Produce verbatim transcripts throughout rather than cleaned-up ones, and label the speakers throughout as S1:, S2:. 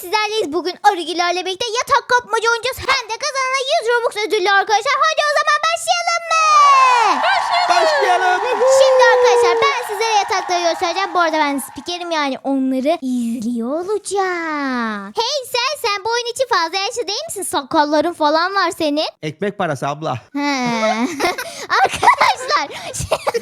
S1: sizlerleyiz. Bugün Arıgilerle birlikte yatak kapmaca oynayacağız. Hem de kazanana yüz Robux ödüllü arkadaşlar. Hadi o zaman başlayalım mı?
S2: Başlayalım.
S1: Şimdi arkadaşlar ben sizlere yatakları göstereceğim. Bu arada ben spikerim, yani onları izliyor olacağım. Hey sen, sen bu oyun için fazla yaşlı değil misin? Sakalların falan var senin.
S2: Ekmek parası abla.
S1: He. Arkadaşlar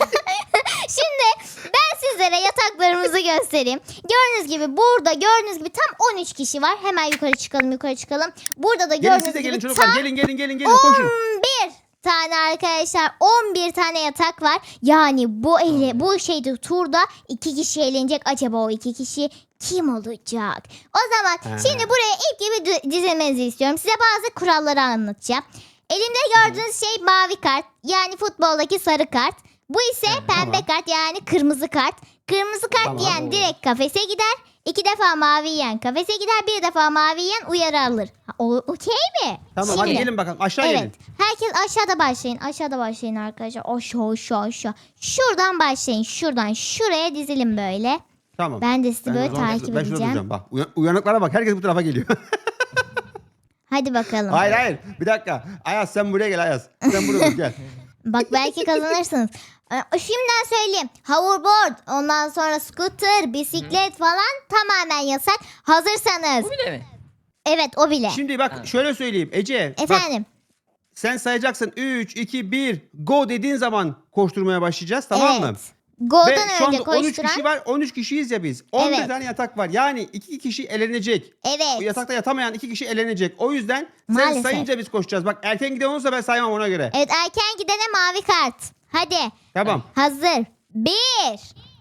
S1: şimdi ben sizlere yataklarımızı göstereyim. Gördüğünüz gibi burada gördüğünüz gibi tam on üç kişi var. Hemen yukarı çıkalım yukarı çıkalım. Burada da
S2: Gelin
S1: gördüğünüz
S2: siz de
S1: gibi
S2: gelin çocuklar.
S1: tam
S2: Gelin gelin gelin gelin koşun.
S1: on bir tane arkadaşlar, on bir tane yatak var. Yani bu ele, bu şeyde turda iki kişi eğlenecek. Acaba o iki kişi kim olacak? O zaman
S2: Ha.
S1: şimdi buraya ilk gibi dü- dizilmenizi istiyorum. Size bazı kuralları anlatacağım. Elimde gördüğünüz şey mavi kart, yani futboldaki sarı kart. Bu ise pembe
S2: tamam.
S1: kart, yani kırmızı kart. Kırmızı kart
S2: Tamam.
S1: yiyen direkt kafese gider. İki defa mavi yiyen kafese gider. Bir defa mavi yiyen uyarı alır. Ha, o okey mi?
S2: Tamam hadi
S1: Şimdi-
S2: gelin bakalım aşağı
S1: Evet.
S2: gelin.
S1: Herkes aşağıda başlayın. Aşağıda başlayın arkadaşlar. Aşağı aşağı aşağı. Şuradan başlayın. Şuradan şuraya dizilin böyle.
S2: Tamam.
S1: Ben de sizi
S2: Ben
S1: böyle
S2: o zaman-
S1: takip
S2: ben şurada
S1: edeceğim.
S2: duracağım bak. Uyan- uyanıklara bak herkes bu tarafa geliyor.
S1: Hadi bakalım.
S2: hayır hayır bir dakika. Ayaz sen buraya gel Ayaz. Sen buraya dur gel.
S1: Bak belki kazanırsınız. Ee, Şimdiden söyleyeyim. Hoverboard, ondan sonra scooter, bisiklet falan tamamen yasak. Hazırsanız.
S3: Bu bile mi?
S1: Evet, o bile.
S2: Şimdi bak şöyle söyleyeyim Ece. Bak,
S1: Efendim.
S2: sen sayacaksın üç, iki, bir go dediğin zaman koşturmaya başlayacağız tamam
S1: evet.
S2: mı? Ve
S1: Golden
S2: şu
S1: önce
S2: anda on üç
S1: koşturan.
S2: kişi var. on üç kişiyiz ya biz. on bir
S1: Evet.
S2: tane yatak var. Yani iki kişi elenecek. O
S1: Evet.
S2: yatakta yatamayan iki kişi elenecek. O yüzden sen
S1: Maalesef.
S2: sayınca biz koşacağız. Bak erken giden olursa ben saymam ona göre.
S1: Evet, erken gidene mavi kart. Hadi.
S2: Tamam.
S1: Hazır. Bir,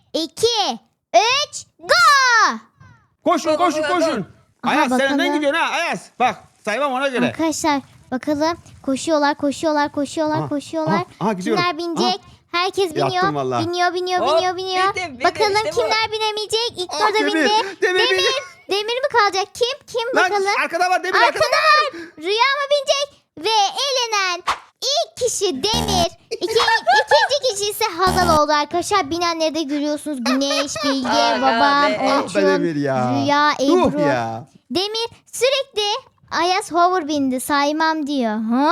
S1: iki, üç, go!
S2: Koşun
S3: Go, go,
S2: koşun
S3: go, go.
S2: koşun.
S1: Aha,
S2: Ayaz sen
S1: bakalım.
S2: önden gidiyorsun ha Ayaz. Bak saymam ona göre.
S1: Arkadaşlar bakalım, koşuyorlar koşuyorlar koşuyorlar
S2: Aha,
S1: koşuyorlar.
S2: aha, aha, gidiyorum.
S1: Kimler binecek? Herkes biniyor.
S2: Yaptım vallahi.
S1: Biniyor biniyor
S3: Hop,
S1: biniyor biniyor.
S3: bindim, bindim,
S1: Bakalım
S3: işte bu.
S1: kimler binemeyecek? İlk
S2: Ah,
S1: turda
S2: Demir,
S1: bindi.
S2: Demir,
S1: Demir.
S2: Demir.
S1: Demir mi kalacak? Kim? Kim
S2: Lan
S1: bakalım?
S2: arkada var Demir arkada.
S1: Arkada var. Rüya mı binecek? Ve elenen ilk kişi Demir. İki, ikinci kişi ise Hazal oldu arkadaşlar. Binenleri de görüyorsunuz. Güneş, Bilge,
S3: Aga
S1: babam,
S3: be.
S2: Ah be
S1: Orçun,
S2: Demir ya.
S1: Rüya,
S2: Yuh
S1: Ebru.
S2: ya.
S1: Demir sürekli Ayaz hover bindi, saymam diyor. Ha?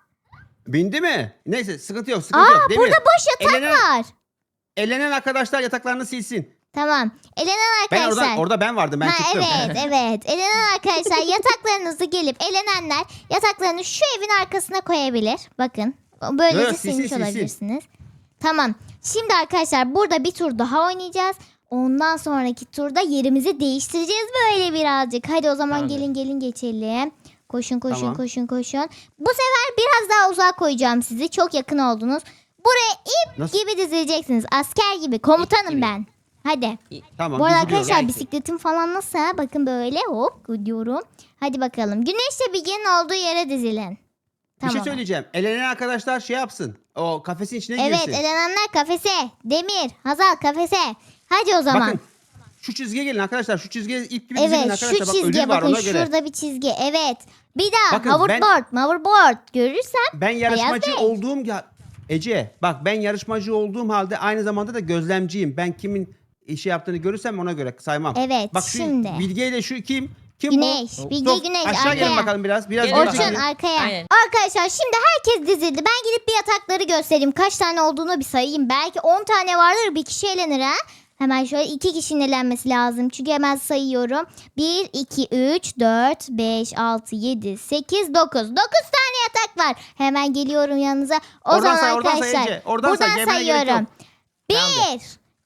S2: Bindi mi? Neyse sıkıntı yok sıkıntı yok.
S1: Aa,
S2: Demir.
S1: burada boş yatak
S2: elenen,
S1: var.
S2: elenen arkadaşlar yataklarını silsin.
S1: Tamam. Elenen
S2: Ben
S1: arkadaşlar.
S2: orada, orada ben vardım ben
S1: ha,
S2: çıktım.
S1: evet evet. Elenen arkadaşlar yataklarınızı gelip elenenler yataklarını şu evin arkasına koyabilir. Bakın. Böylece
S2: Evet, silsin,
S1: silmiş
S2: silsin.
S1: olabilirsiniz. Tamam. Şimdi arkadaşlar burada bir tur daha oynayacağız. Ondan sonraki turda yerimizi değiştireceğiz böyle birazcık. Hadi o zaman
S3: Tamamdır.
S1: gelin gelin geçelim. Koşun koşun
S2: Tamam.
S1: koşun koşun. Bu sefer biraz daha uzağa koyacağım sizi. Çok yakın oldunuz. Buraya ip
S2: Nasıl?
S1: gibi dizileceksiniz. Asker gibi. Komutanım
S3: gibi.
S1: ben. Hadi.
S2: Tamam
S1: Bu arada
S2: diziliyoruz.
S1: arkadaşlar bisikletim falan nasıl? ha? Bakın böyle hop gidiyorum. Hadi bakalım. Güneşle Bilge'nin olduğu yere dizilin.
S2: Bir
S1: Tamam.
S2: şey söyleyeceğim. Elenen arkadaşlar şey yapsın. O kafesin içine
S1: Evet,
S2: girsin.
S1: elenenler kafese. Demir, Hazal kafese. Hadi o zaman.
S2: Bakın şu çizgiye gelin arkadaşlar. Şu çizgiye ip gibi dizilin
S1: Evet,
S2: arkadaşlar.
S1: şu
S2: Bak,
S1: çizgiye
S2: ödül var
S1: bakın.
S2: ona göre.
S1: Şurada bir çizgi. Evet. Bir daha
S2: Bakın,
S1: hoverboard, hoverboard görürsem.
S2: Ben yarışmacı
S1: Bey.
S2: olduğum ya Ece bak ben yarışmacı olduğum halde aynı zamanda da gözlemciyim. Ben kimin şey yaptığını görürsem ona göre saymam.
S1: Evet,
S2: bak şu
S1: şimdi.
S2: Bilge ile şu kim? Kim
S1: Güneş,
S2: bu?
S1: Bilge,
S2: Top,
S1: Güneş,
S2: aşağı gelin
S1: arkaya.
S2: bakalım biraz. Biraz
S3: Gelin
S2: geri
S1: Orçun
S2: çekilin.
S1: arkaya.
S3: Aynen.
S1: Arkadaşlar şimdi herkes dizildi. Ben gidip bir yatakları göstereyim. Kaç tane olduğunu bir sayayım. Belki on tane vardır, bir kişi elenir ha. Hemen şöyle iki kişinin elenmesi lazım. Çünkü hemen sayıyorum. bir, iki, üç, dört, beş, altı, yedi, sekiz, dokuz. dokuz tane yatak var. Hemen geliyorum yanınıza. O
S2: Oradan
S1: zaman
S2: say, oradan say
S1: arkadaşlar.
S2: Ece. Oradan say,
S1: buradan
S2: gelmene gerek
S1: sayıyorum.
S2: yok.
S1: bir,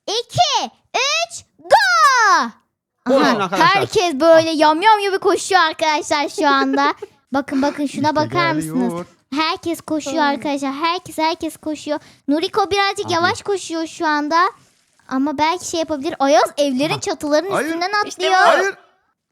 S1: iki, üç, go!
S2: Koşun
S1: Aha,
S2: arkadaşlar.
S1: herkes böyle yamyam gibi koşuyor arkadaşlar şu anda. Bakın bakın şuna
S2: İşte
S1: bakar
S2: geliyor.
S1: mısınız? Herkes koşuyor arkadaşlar. Herkes herkes koşuyor. Nuriko birazcık
S2: Abi.
S1: yavaş koşuyor şu anda. Ama belki şey yapabilir. Ayaz evlerin
S2: Aha.
S1: çatılarının
S2: Hayır.
S1: üstünden
S3: İşte
S1: atlıyor.
S3: bu.
S2: Hayır.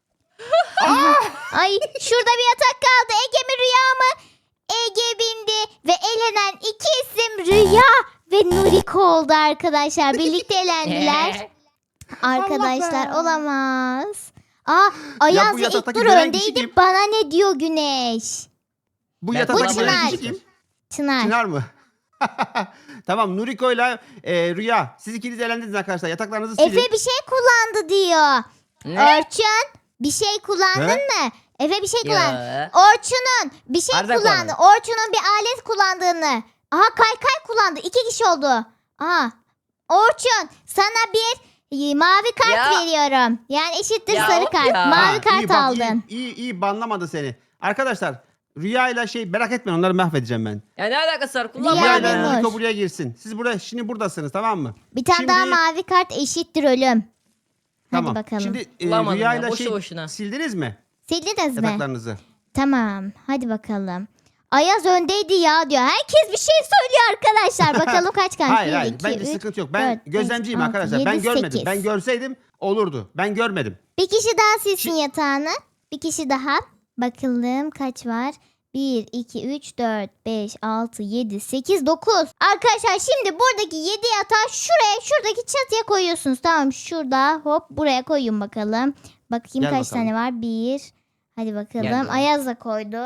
S1: Ay şurada bir yatak kaldı. Ege mi Rüya mı? Ege bindi ve elenen iki isim Rüya ve Nuriko oldu arkadaşlar. Birlikte elendiler. Arkadaşlar
S2: Allah be.
S1: olamaz. Aa, Ayaz
S2: bu
S1: ve ilk
S2: yataktaki
S1: tur
S2: dönen kişi
S1: öndeydi.
S2: kim?
S1: Bana ne diyor Güneş?
S2: Bu
S3: Ben-
S2: yataktaki
S1: Bu
S2: böyle
S1: Çınar.
S2: kişi kim?
S1: Çınar.
S2: Çınar mı? Tamam Nuriko ile e, Rüya. Siz ikiniz elendiniz arkadaşlar. Yataklarınızı silin.
S1: Efe bir şey kullandı diyor.
S3: Ne?
S1: Orçun bir şey kullandın
S2: He?
S1: mı? Efe bir şey kullandı.
S3: Ya.
S1: Orçun'un bir şey
S3: Arda
S1: kullandı.
S3: kullandı.
S1: Orçun'un bir alet kullandığını. Aha kaykay kullandı. İki kişi oldu. Aha. Orçun sana bir e, mavi kart
S3: Ya.
S1: veriyorum. Yani eşittir
S3: Ya
S1: sarı
S3: of
S1: kart.
S3: ya.
S1: Mavi
S2: Ha,
S1: kart
S2: iyi, bak,
S1: aldın.
S2: iyi, iyi, iyi banlamadı seni. Arkadaşlar Rüya'yla şey merak etmeyin onları mahvedeceğim ben.
S3: Ya ne alakası var?
S1: Rüya
S3: Kullanma
S2: Rüya'yla
S1: bulmuş.
S3: ya.
S2: Niko buraya girsin. Siz buraya şimdi buradasınız tamam mı?
S1: Bir tane
S2: Şimdi-
S1: daha mavi kart eşittir ölüm.
S2: Tamam.
S1: Hadi bakalım.
S2: Şimdi e,
S3: Bulamadım
S2: Rüya'yla
S3: ya, boşu
S2: şey
S3: boşuna.
S2: sildiniz mi?
S1: Sildiniz mi?
S2: Yataklarınızı.
S1: Tamam. Hadi bakalım. Ayaz öndeydi ya diyor. Herkes bir şey söylüyor arkadaşlar. Bakalım kaç kan?
S2: Hayır
S1: Bir,
S2: hayır
S1: iki,
S2: bence
S1: üç,
S2: sıkıntı yok. Ben
S1: dört, beş,
S2: gözlemciyim
S1: altı,
S2: arkadaşlar. ben
S1: yedi,
S2: görmedim.
S1: sekiz.
S2: Ben görseydim olurdu. Ben görmedim.
S1: Bir kişi daha silsin
S2: Şi-
S1: yatağını. Bir kişi daha. Bakalım kaç var? bir, iki, üç, dört, beş, altı, yedi, sekiz, dokuz. Arkadaşlar şimdi buradaki yedi yatağı şuraya, şuradaki çatıya koyuyorsunuz. Tamam şurada hop buraya koyun bakalım. Bakayım
S2: Gel
S1: kaç
S2: bakalım.
S1: tane var? bir. Hadi bakalım.
S3: Gel.
S1: Ayaz da koydu.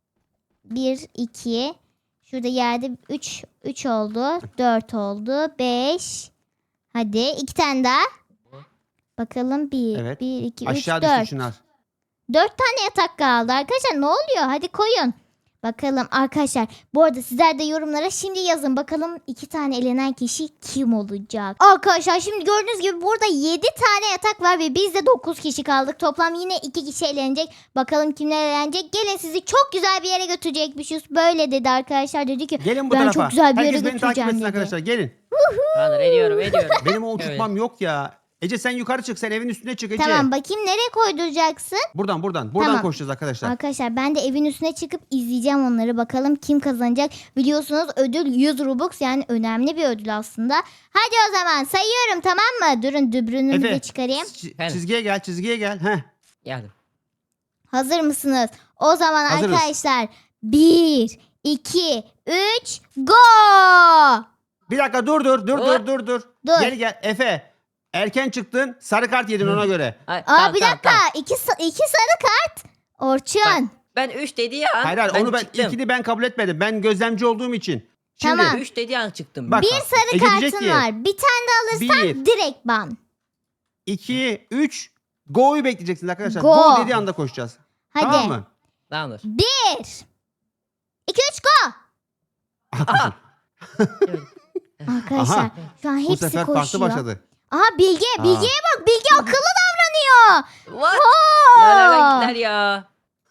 S1: bir, iki. Şurada yerde üç, üç oldu. dört oldu. beş. Hadi iki tane daha. Bakalım bir,
S2: Evet.
S1: bir, iki, üç,
S2: Aşağı
S1: dört.
S2: düştü şunlar.
S1: Dört tane yatak kaldı arkadaşlar. Ne oluyor? Hadi koyun. Bakalım arkadaşlar. Bu arada sizler de yorumlara şimdi yazın. Bakalım iki tane elenen kişi kim olacak? Arkadaşlar şimdi gördüğünüz gibi burada yedi tane yatak var ve biz de dokuz kişi kaldık. Toplam yine iki kişi elenecek. Bakalım kimler elenecek? Gelin sizi çok güzel bir yere götürecekmişiz. Böyle dedi arkadaşlar. Dedi ki
S2: Gelin bu
S1: ben
S2: tarafa.
S1: çok güzel bir yere
S2: Herkes beni takip
S1: götüreceğim
S2: etsin
S1: dedi.
S2: arkadaşlar. Gelin.
S3: Tamamdır ediyorum ediyorum.
S2: Benim o
S3: Evet.
S2: uçurtmam yok ya. Ece sen yukarı çık. Sen evin üstüne çık Ece.
S1: Tamam bakayım nereye koyduracaksın?
S2: Buradan buradan. Buradan
S1: Tamam.
S2: koşacağız arkadaşlar.
S1: Arkadaşlar ben de evin üstüne çıkıp izleyeceğim onları. Bakalım kim kazanacak. Biliyorsunuz ödül yüz Robux yani önemli bir ödül aslında. Hadi o zaman sayıyorum tamam mı? Durun dübrünümü de
S2: Efe.
S1: çıkarayım.
S2: Ç-
S3: Efendim?
S2: çizgiye gel çizgiye gel. Heh.
S3: Geldim.
S1: Hazır mısınız? O zaman
S2: Hazırız.
S1: arkadaşlar bir, iki, üç, go!
S2: Bir dakika dur dur dur dur
S3: Dur.
S2: dur dur.
S1: Dur.
S2: Gel gel Efe. Erken çıktın. Sarı kart yedin ona göre.
S3: Ay,
S1: Aa
S3: tamam,
S1: bir
S3: tamam,
S1: dakika.
S3: tamam.
S1: İki, sa- iki sarı kart. Orçun.
S3: Ben üç dediği an
S2: Hayır hayır
S3: ben
S2: onu ben
S3: çıktım.
S2: ilkini ben kabul etmedim. Ben gözlemci olduğum için. Şimdi
S1: Tamam.
S3: üç dediği an çıktım.
S2: Bak.
S1: bir sarı
S2: Ece diyecek
S1: kartın
S2: ki,
S1: var. Bir tane de alırsan
S2: bir,
S1: direkt ban.
S2: iki, üç. Go'yu bekleyeceksiniz arkadaşlar.
S1: Go.
S2: Go, dediği anda koşacağız.
S1: Hadi.
S2: Tamam mı?
S3: Tamamdır.
S1: Bir. İki, üç, go.
S3: Aha. Evet.
S1: Arkadaşlar
S2: Aha.
S1: şu an
S2: Bu
S1: hepsi
S2: sefer
S1: koşuyor.
S2: farklı başladı.
S1: Aha Bilge.
S2: Aa.
S1: Bilge'ye bak. Bilge akıllı davranıyor.
S3: What?
S1: Oo.
S3: Ya nereden gittiler ya?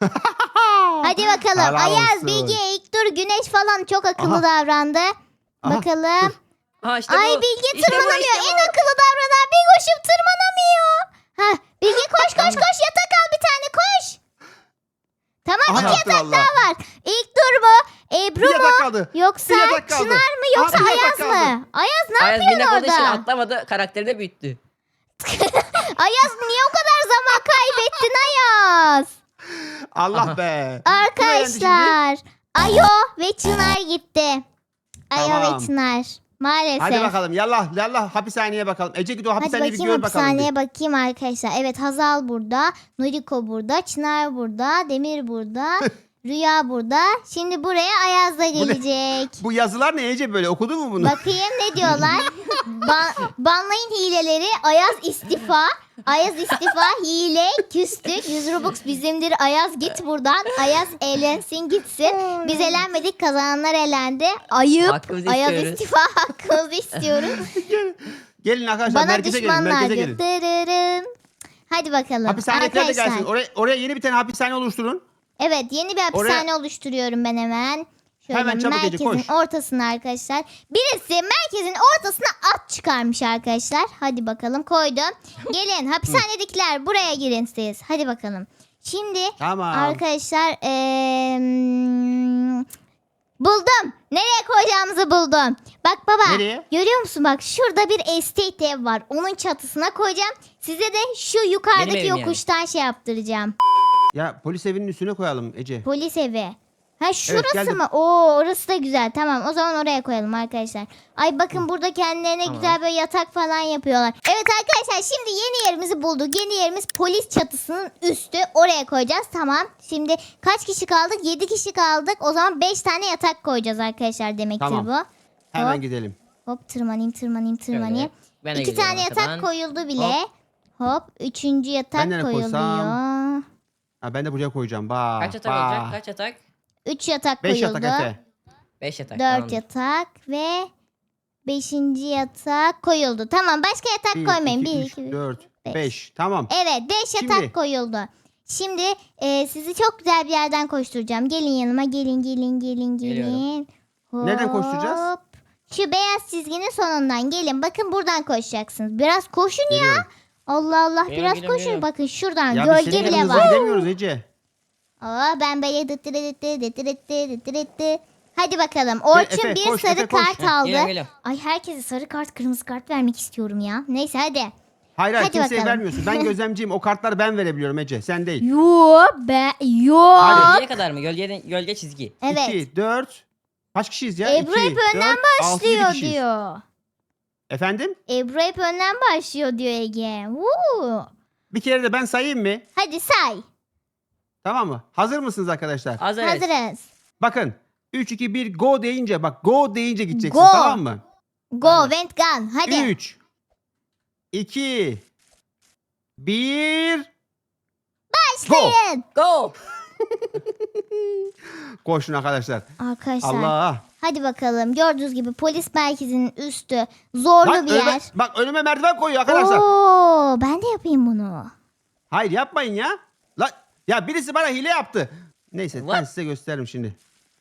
S1: Hadi bakalım.
S2: Helal
S1: Ayaz,
S2: olsun.
S1: Bilge, İlknur, Güneş falan çok akıllı
S2: Aha.
S1: davrandı.
S2: Aha,
S1: Bakalım.
S3: Ha işte
S1: Ay
S3: bu.
S1: Bilge
S3: İşte bu,
S1: tırmanamıyor.
S3: işte bu.
S1: En akıllı davranan Bilgoş'um tırmanamıyor. Ha Bilge koş koş koş yatak al bir tane koş. Tamam
S2: Aha,
S1: iki
S2: yaptı
S1: yatak
S2: vallahi.
S1: daha var. İlknur mu? Ebru
S2: Bir
S1: mu?
S2: yatak kaldı.
S1: Yoksa
S2: Bir yatak kaldı.
S1: Çınar mı? Yoksa
S2: Aha, bir yatak
S1: Ayaz
S2: kaldı.
S1: mı? Ayaz ne
S3: Ayaz
S1: yapıyorsun
S3: minik olduğu için
S1: orada?
S3: atlamadı. Karakterini büyüttü.
S1: Ayaz niye o kadar zaman kaybettin Ayaz?
S2: Allah be.
S1: Arkadaşlar Ayo ve Çınar gitti. Ayo
S2: Tamam.
S1: ve Çınar. Maalesef.
S2: Hadi bakalım yallah yallah hapishaneye bakalım. Ece git o
S1: Hadi
S2: hapishaneyi bir
S1: bakayım
S2: gör bakalım.
S1: hapishaneye
S2: bir.
S1: bakayım arkadaşlar. Evet Hazal burada. Nuriko burada. Çınar burada. Demir burada. Rüya burada. Şimdi buraya Ayaz da
S2: ne?
S1: gelecek.
S2: Bu yazılar ne Ece böyle okudun mu bunu?
S1: Bakayım ne diyorlar. Ba- banlayın hileleri. Ayaz istifa. Ayaz istifa. Hile. Küstük. yüz Robux bizimdir. Ayaz git buradan. Ayaz eğlensin gitsin. Biz eğlenmedik. Kazananlar elendi. Ayıp.
S3: Hakkımızı
S1: Ayaz
S3: istiyoruz.
S1: istifa. Hakkımızı istiyoruz.
S2: Gelin arkadaşlar
S1: Bana
S2: merkeze gelin merkeze
S1: düşmanlardı.
S2: gelin.
S1: Dırırım. Hadi bakalım.
S2: Hapishanedekiler de
S1: Arkadaşlar.
S2: gelsin. Oraya, oraya yeni bir tane hapishane oluşturun.
S1: Evet yeni bir hapishane oluşturuyorum ben hemen. Şöyle
S2: Hemen çabuk Ece,
S1: merkezin
S2: koş.
S1: ortasına arkadaşlar. Birisi merkezin ortasına at çıkarmış arkadaşlar. Hadi bakalım koydum. Gelin hapishanedekiler buraya girin siz. Hadi bakalım. Şimdi
S2: Tamam.
S1: arkadaşlar eee, buldum. Nereye koyacağımızı buldum. Bak baba
S2: Nereye?
S1: görüyor musun bak şurada bir estate ev var. Onun çatısına koyacağım. Size de şu
S3: Benim
S1: yukarıdaki
S3: evim yani.
S1: yokuştan şey yaptıracağım.
S2: Ya polis evinin üstüne koyalım Ece.
S1: Polis evi. Ha şurası
S2: geldim.
S1: mı? Oo orası da güzel. Tamam o zaman oraya koyalım arkadaşlar. Ay bakın burada kendilerine
S3: Tamam.
S1: güzel böyle yatak falan yapıyorlar. Evet arkadaşlar şimdi yeni yerimizi bulduk. Yeni yerimiz polis çatısının üstü. Oraya koyacağız. Tamam. Şimdi kaç kişi kaldık? yedi kişi kaldık. O zaman beş tane yatak koyacağız arkadaşlar demektir
S2: Tamam.
S1: bu.
S2: Hemen
S1: Hop.
S2: gidelim.
S1: Hop tırmanayım tırmanayım tırmanayım.
S3: Şöyle, ben de
S1: İki
S3: gidiyorum
S1: tane yatak
S3: arkadan.
S1: koyuldu bile. Hop. Üçüncü yatak
S2: Ben nereye
S1: koyuluyor.
S2: koysam? Ha, ben de buraya koyacağım. Bak.
S3: Kaç yatak
S2: bak.
S3: olacak? Kaç yatak?
S1: üç yatak
S2: Beş
S1: koyuldu.
S2: yatak Efe.
S3: beş yatak.
S1: dört
S3: tamamdır.
S1: yatak ve beşinci yatak koyuldu. Tamam, başka yatak
S2: bir,
S1: koymayın.
S2: iki,
S1: bir,
S2: üç,
S1: iki,
S2: dört,
S1: beş.
S2: beş. Tamam.
S1: Evet, beş yatak
S2: Şimdi-
S1: koyuldu. Şimdi e, sizi çok güzel bir yerden koşturacağım. Gelin yanıma, gelin gelin gelin
S3: Geliyorum.
S1: gelin.
S2: Nereden koşturacağız?
S1: Hop. Şu beyaz çizginin sonundan gelin. Bakın buradan koşacaksınız. Biraz koşun ya.
S2: Geliyorum.
S1: Allah Allah,
S3: Geliyorum,
S1: biraz
S3: geliyorum,
S1: koşun.
S3: geliyorum.
S1: Bakın şuradan
S2: Ya biz
S1: gölge
S2: senin
S1: bile
S2: kadar hızlı
S1: var.
S2: gidemiyoruz Ece.
S1: Aa, ben böyle dıttı dıttı dıttı dıttı dıttı dıttı. Hadi bakalım. Orçun
S2: Efe,
S1: bir
S2: koş,
S1: sarı
S2: Efe, koş.
S1: kart
S3: Heh,
S1: aldı.
S3: geliyorum, geliyorum.
S1: Ay, herkese sarı kart, kırmızı kart vermek istiyorum ya. Neyse hadi.
S2: Hayır hayır
S1: Hadi
S2: kimseye
S1: bakalım.
S2: vermiyorsun. Ben gözlemciyim. O kartları ben verebiliyorum Ece. Sen değil.
S1: Yo be yo.
S2: Hadi.
S3: Gölgeye kadar mı? Gölge, gölge çizgi.
S1: Evet.
S2: iki, dört. Kaç kişiyiz ya?
S1: Ebru
S2: İki,
S1: hep önden
S2: dört, altı, yedi
S1: başlıyor
S2: kişiyiz.
S1: diyor.
S2: Efendim?
S1: Ebru hep önden başlıyor diyor Ege. Woo.
S2: Bir kere de ben sayayım mı?
S1: Hadi say.
S2: Tamam mı? Hazır mısınız arkadaşlar?
S3: Hazırız.
S1: Hazırız.
S2: Bakın. üç, iki, bir go deyince bak go deyince gideceksin
S1: Go.
S2: tamam mı?
S1: Go
S3: Tamam.
S1: went gun. Hadi.
S2: üç, iki, bir. Go.
S1: Başlayın.
S3: Go.
S2: Koşun arkadaşlar.
S1: Arkadaşlar.
S2: Allah.
S1: Hadi bakalım. Gördüğünüz gibi polis merkezinin üstü zorlu
S2: Bak
S1: bir
S2: önüme,
S1: yer.
S2: bak önüme merdiven koyuyor arkadaşlar.
S1: Oo, ben de yapayım bunu.
S2: Hayır yapmayın ya. La, ya birisi bana hile yaptı. Neyse ben
S3: What?
S2: size gösteririm şimdi.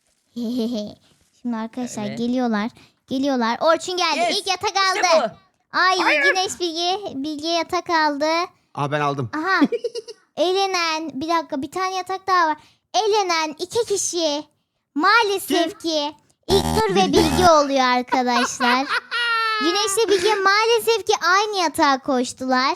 S1: Şimdi arkadaşlar
S3: Evet.
S1: geliyorlar. Geliyorlar. Orçun geldi.
S3: Yes,
S1: İlk yatak
S3: İşte
S1: aldı.
S3: bu.
S1: Ay, Güneş Bilge. Bilge yatak aldı.
S2: Aha ben aldım.
S1: Aha. Elenen. Bir dakika, bir tane yatak daha var. Elenen iki kişi. Maalesef ki İlknur ve Bilge oluyor arkadaşlar. Güneşle Bilge maalesef ki aynı yatağa koştular.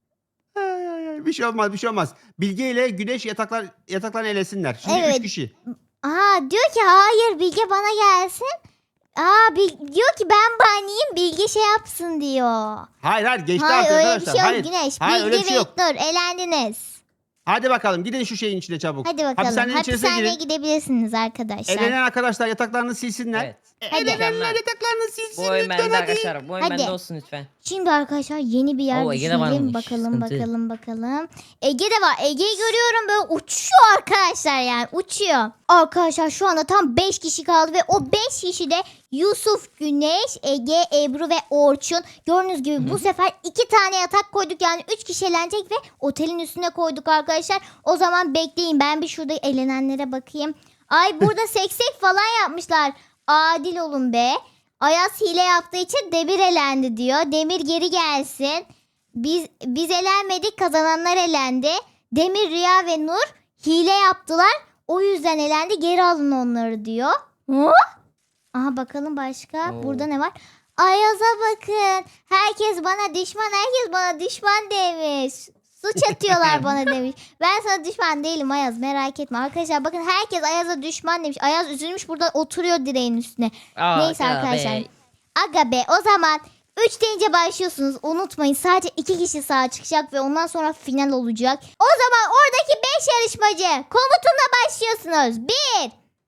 S2: Ay, ay, ay. Bir şey olmaz bir şey olmaz. Bilge ile Güneş yataklar yataklarını elesinler. Şimdi
S1: Evet.
S2: üç kişi.
S1: Aa, diyor ki hayır, Bilge bana gelsin. Aa, Bil- diyor ki ben banayım, Bilge şey yapsın diyor.
S2: Hayır hayır geçti
S1: Hayır,
S2: artık
S1: öyle bir
S2: arkadaşlar.
S1: şey yok
S2: hayır.
S1: Güneş.
S2: Hayır öyle
S1: Bilge
S2: bir şey
S1: ve
S2: yok.
S1: İlknur elendiniz.
S2: Hadi bakalım gidin şu şeyin içine çabuk.
S1: Hadi bakalım.
S2: Hapishanenin içerisine
S1: Hapishaneye
S2: girin.
S1: gidebilirsiniz arkadaşlar.
S2: Elenen arkadaşlar yataklarını silsinler.
S3: Evet.
S1: Hadi.
S2: Elenenler yataklarını silsin
S3: Bu oyun
S2: lütfen
S3: bende
S2: hadi.
S3: arkadaşlar. Bu oyun
S1: Hadi.
S3: bende olsun lütfen.
S1: Şimdi arkadaşlar yeni bir yer
S3: Oo, Ege'de
S1: düşünelim.
S3: varmış.
S1: Bakalım
S3: Sıkıntı.
S1: bakalım bakalım. Ege de var. Ege'yi görüyorum, böyle uçuyor arkadaşlar, yani uçuyor. Arkadaşlar şu anda tam beş kişi kaldı ve o beş kişi de Yusuf, Güneş, Ege, Ebru ve Orçun. Gördüğünüz gibi bu sefer iki tane yatak koyduk, yani üç kişi eğlenecek ve otelin üstüne koyduk arkadaşlar. O zaman bekleyin, ben bir şurada eğlenenlere bakayım. Ay, burada seksek falan yapmışlar. Adil olun be. Ayaz hile yaptığı için Demir elendi diyor. Demir geri gelsin. Biz biz elenmedik, kazananlar elendi. Demir, Rüya ve Nur hile yaptılar. O yüzden elendi. Geri alın onları diyor. Hı? Aha, bakalım başka.
S3: Oo.
S1: Burada ne var? Ayaz'a bakın. Herkes bana düşman, herkes bana düşman demiş. Suç atıyorlar bana demiş. Ben sana düşman değilim Ayaz, merak etme. Arkadaşlar bakın, herkes Ayaz'a düşman demiş. Ayaz üzülmüş, burada oturuyor direğin üstüne.
S3: Aa,
S1: Neyse
S3: ya
S1: arkadaşlar.
S3: be.
S1: Aga be, o zaman üç deyince başlıyorsunuz. Unutmayın, sadece iki kişi sağa çıkacak ve ondan sonra final olacak. O zaman oradaki beş yarışmacı komutunla başlıyorsunuz. bir,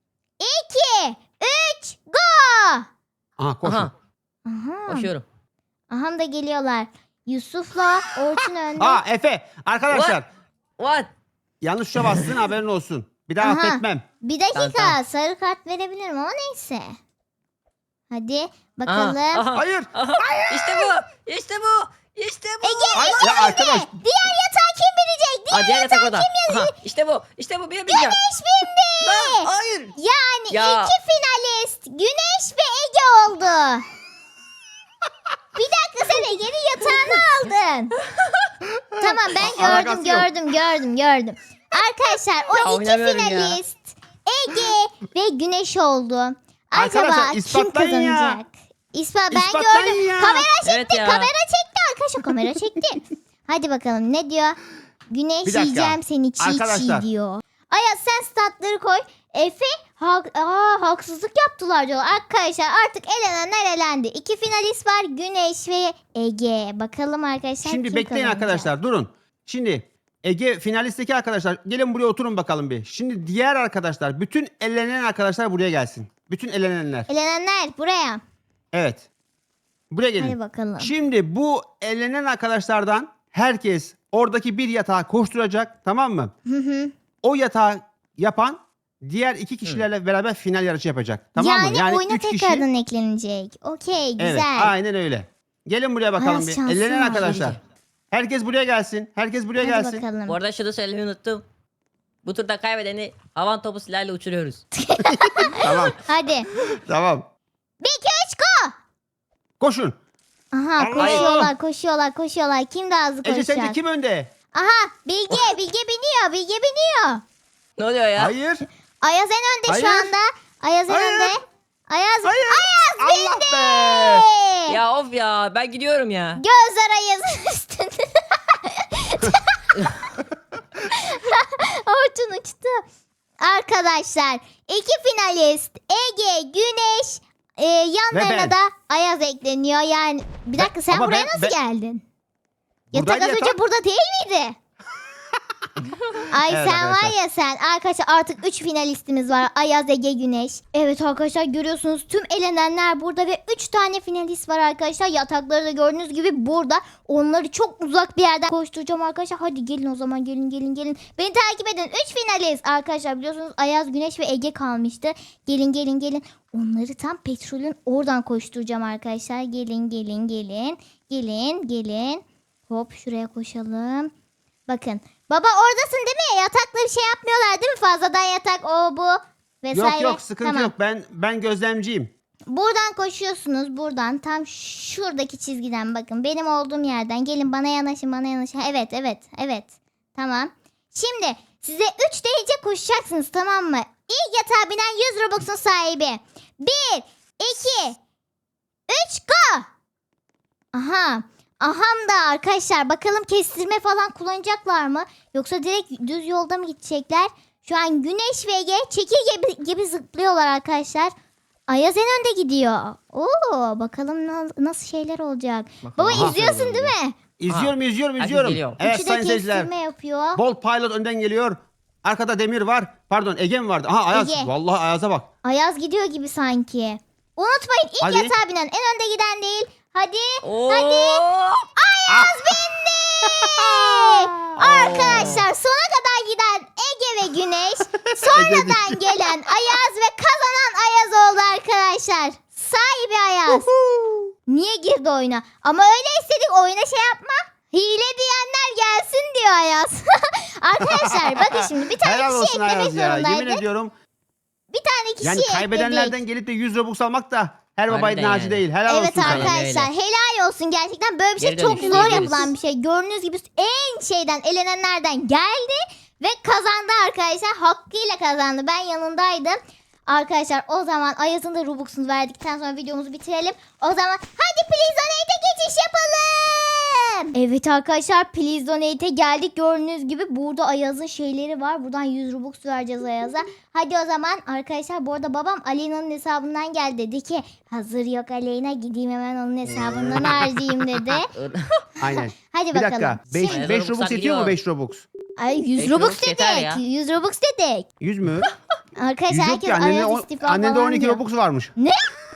S1: iki, üç, go!
S2: Aha koşun.
S3: Aha.
S1: Aha.
S3: Koşuyorum.
S1: Aha da geliyorlar. Yusuf'la Orçun önde.
S2: Aa Efe arkadaşlar
S3: What?
S2: yanlış tuşa bastın haberin olsun. Bir daha
S1: Aha.
S2: affetmem.
S1: Bir dakika,
S3: Tamam, tamam.
S1: sarı kart verebilirim ama neyse. Hadi
S3: Aha,
S1: bakalım.
S3: aha,
S2: Hayır.
S3: aha. İşte bu. İşte bu. İşte bu.
S1: Ege,
S2: Ay,
S1: Ege,
S2: ya arkadaş.
S1: diğer yatağı kim bilecek? Diğer
S3: Aa, diğer yatak
S1: yatağı
S3: oda.
S1: kim
S3: Aha, işte bu. İşte bu. Bir bileceğim.
S1: Güneş bindi.
S3: Lan, hayır.
S1: Yani
S3: Ya.
S1: iki finalist Güneş ve Ege oldu. Bir dakika, sen Ege'nin yatağını aldın. Tamam, ben gördüm
S2: Alakası yok.
S1: gördüm gördüm gördüm. Arkadaşlar o
S3: Ya,
S1: iki
S3: oynamıyorum ya.
S1: finalist Ege ve Güneş oldu. Acaba
S2: Arkadaşlar,
S1: kim
S2: ispatlayın ya.
S1: kazanacak? İspat, ben
S2: İspatlayın
S1: gördüm.
S2: ya.
S1: Kamera çekti,
S3: Evet ya.
S1: kamera çekti arkadaşlar, kamera çekti. Hadi bakalım ne diyor? Güneş,
S2: Bir dakika.
S1: yiyeceğim seni çiğ
S2: Arkadaşlar.
S1: çiğ diyor. Ayaz, sen statları koy. Efe hak, aa, haksızlık yaptılar diyor. Arkadaşlar artık elenenler elendi. İki finalist var, Güneş ve Ege. Bakalım arkadaşlar
S2: Şimdi
S1: kim
S2: bekleyin
S1: kazanacak?
S2: arkadaşlar durun. Şimdi Ege finalistteki arkadaşlar gelin buraya oturun bakalım bir. Şimdi diğer arkadaşlar bütün elenen arkadaşlar buraya gelsin. Bütün elenenler.
S1: Elenenler buraya.
S2: Evet. Buraya gelin.
S1: Hadi bakalım.
S2: Şimdi bu elenen arkadaşlardan herkes oradaki bir yatağa koşturacak tamam mı?
S1: Hı hı.
S2: o yatağı yapan diğer iki kişilerle beraber final yarışı yapacak. Tamam
S1: yani,
S2: mı? Yani
S1: oyuna
S2: üç kişi.
S1: tekrardan eklenecek. Okey güzel.
S2: Evet, aynen öyle. Gelin buraya bakalım
S1: Ayaz
S2: bir.
S1: şansın
S2: Ellenen
S1: var.
S2: arkadaşlar. Herkes buraya gelsin. Herkes buraya
S1: Hadi
S2: gelsin.
S1: bakalım.
S3: Bu arada şunu söylemeyi unuttum. Bu turda kaybedeni havan topu silahıyla uçuruyoruz.
S2: Tamam.
S1: Hadi.
S2: Tamam.
S1: Bir iki üç go.
S2: Koşun.
S1: Aha
S2: Allah!
S1: koşuyorlar koşuyorlar koşuyorlar. Kim daha hızlı
S2: Ece
S1: koşacak?
S2: sence kim önde?
S1: Aha Bilge Bilge biniyor Bilge biniyor.
S3: Ne oluyor ya?
S2: Hayır.
S1: Ayaz en önde
S2: Hayır.
S1: şu anda. Ayaz en
S2: Hayır.
S1: önde. Ayaz,
S2: Hayır.
S1: Ayaz
S2: Allah
S1: bindi.
S2: be.
S3: Ya of ya ben gidiyorum ya.
S1: Gözler Ayaz'ın üstünde. Orçun uçtu. Arkadaşlar iki finalist Ege, Güneş, e, yanlarına
S2: ben.
S1: da Ayaz ekleniyor. Yani bir dakika sen
S2: ama
S1: buraya
S2: ben-
S1: nasıl
S2: ben-
S1: geldin?
S2: Buradaydı
S1: Yatak az önce
S2: yatak.
S1: burada değil miydi? Ay
S2: Evet
S1: sen var
S2: arkadaşlar.
S1: ya sen. Arkadaşlar artık üç finalistimiz var. Ayaz, Ege, Güneş. Evet arkadaşlar görüyorsunuz tüm elenenler burada ve üç tane finalist var arkadaşlar. Yatakları da gördüğünüz gibi burada. Onları çok uzak bir yerden koşturacağım arkadaşlar. Hadi gelin o zaman gelin gelin gelin. Beni takip edin. üç finalist arkadaşlar biliyorsunuz Ayaz, Güneş ve Ege kalmıştı. Gelin gelin gelin. Onları tam petrolün oradan koşturacağım arkadaşlar. Gelin gelin gelin. Gelin gelin. Hop şuraya koşalım. Bakın. Baba oradasın değil mi? Yatakla bir şey yapmıyorlar değil mi? Fazladan yatak o bu vesaire.
S2: Yok yok sıkıntı
S1: Tamam.
S2: yok. Ben ben gözlemciyim.
S1: Buradan koşuyorsunuz. Buradan tam şuradaki çizgiden bakın. Benim olduğum yerden. Gelin bana yanaşın bana yanaşın. Evet evet evet. Tamam. Şimdi size üç deyince koşacaksınız tamam mı? İlk yatağa binen yüz Robux'un sahibi. bir, iki, üç go. Aha. Aham da arkadaşlar bakalım kestirme falan kullanacaklar mı? Yoksa direkt düz yolda mı gidecekler? Şu an Güneş ve Ege çekirge gibi, gibi zıplıyorlar arkadaşlar. Ayaz en önde gidiyor. Oo, bakalım na- nasıl şeyler olacak. Baba
S2: Aha.
S1: izliyorsun değil mi?
S2: İzliyorum izliyorum
S3: Herkes
S2: izliyorum.
S3: geliyor.
S2: Evet
S1: Üçü de
S2: sayın seyirciler.
S1: kestirme yapıyor.
S2: Bolt Pilot önden geliyor. Arkada Demir var. Pardon Ege mi vardı? Aha Ayaz.
S1: Ege.
S2: Vallahi Ayaz'a bak.
S1: Ayaz gidiyor gibi sanki. Unutmayın ilk
S2: Hadi.
S1: yatağa binen en önde giden değil. Hadi.
S3: Oo.
S1: Hadi. Ayaz bindi. Arkadaşlar sona kadar giden Ege ve Güneş. Sonradan gelen Ayaz ve kazanan Ayaz oldu arkadaşlar. Sahibi Ayaz. Niye girdi oyuna? Ama öyle istedik oyuna şey yapma. Hile diyenler gelsin diyor Ayaz. Arkadaşlar bakın şimdi bir tane
S2: Helal
S1: kişi
S2: olsun
S1: eklemek
S2: Ayaz ya. Yemin
S1: zorundaydık.
S2: ediyorum.
S1: Bir tane kişi
S2: Yani kaybedenlerden gelip de yüz Robux almak da her baba
S3: Harbiden
S2: idnacı
S3: yani.
S2: değil. Helal
S1: Evet
S2: olsun sana.
S3: Aynen
S1: arkadaşlar
S3: öyle.
S1: helal olsun gerçekten böyle bir şey
S3: Geri
S1: çok
S3: dönüşte
S1: zor
S3: diyebiliriz.
S1: yapılan bir şey. Gördüğünüz gibi en şeyden elenenlerden geldi ve kazandı arkadaşlar. Hakkıyla kazandı. Ben yanındaydım. Arkadaşlar o zaman Ayaz'ın da Robux'unu verdikten sonra videomuzu bitirelim. O zaman hadi Please Donate'e geçiş yapalım. Evet arkadaşlar Please Donate'e geldik. Gördüğünüz gibi burada Ayaz'ın şeyleri var. Buradan yüz Robux vereceğiz Ayaz'a. Hadi o zaman arkadaşlar bu arada babam Aleyna'nın hesabından geldi. Dedi ki hazır yok Aleyna gideyim hemen onun hesabından harcayayım dedi.
S2: Aynen.
S1: Hadi
S2: Bir
S1: bakalım.
S2: dakika. beş
S1: Şimdi-
S2: beş
S3: Robux'a
S2: Robux yetiyor mu
S3: gidiyor.
S2: beş Robux?
S1: Ay yüz
S3: beş
S1: Robux
S3: Robux yeter
S1: dedik.
S3: ya.
S1: yüz Robux dedik.
S2: yüz mü?
S1: Arkadaşlar
S2: yüz yok
S1: herkes
S2: ki. Annende,
S1: Ayaz
S2: on,
S1: istifa
S2: annende
S1: falan
S2: on iki
S1: diyor.
S2: Robux varmış.
S1: Ne?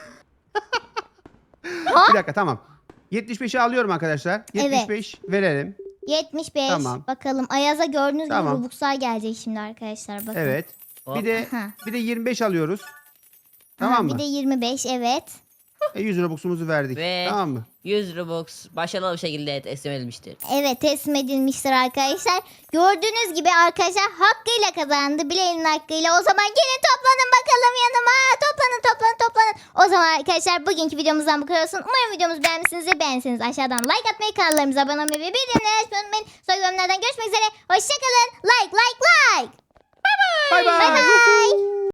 S2: Bir dakika tamam. yetmiş beşi alıyorum arkadaşlar. yetmiş beş verelim.
S1: yetmiş beş.
S2: Tamam.
S1: Bakalım Ayaz'a gördüğünüz
S2: Tamam.
S1: gibi Robux'lar gelecek şimdi arkadaşlar. Bakın.
S2: Evet.
S3: Hop.
S2: Bir de
S1: Aha.
S2: bir de yirmi beş alıyoruz.
S1: Aha,
S2: Tamam mı?
S1: Bir de yirmi beş evet.
S2: E, yüz Robux'umuzu verdik.
S3: Ve-
S2: Tamam mı?
S3: yüz Robux başarılı bir şekilde teslim edilmiştir.
S1: Evet teslim edilmiştir arkadaşlar. Gördüğünüz gibi arkadaşlar hakkıyla kazandı. Bileğinin hakkıyla. O zaman gelin toplanın bakalım yanıma. Toplanın toplanın toplanın. O zaman arkadaşlar bugünkü videomuzdan bu kadar olsun. Umarım videomuzu beğenmişsinizdir. Beğenseniz aşağıdan like atmayı, kanallarımıza abone olmayı ve bildirimleri açmayı unutmayın. Sonraki bölümlerden görüşmek üzere. Hoşçakalın. Like like like.
S2: Bay bay.
S1: Bay bay.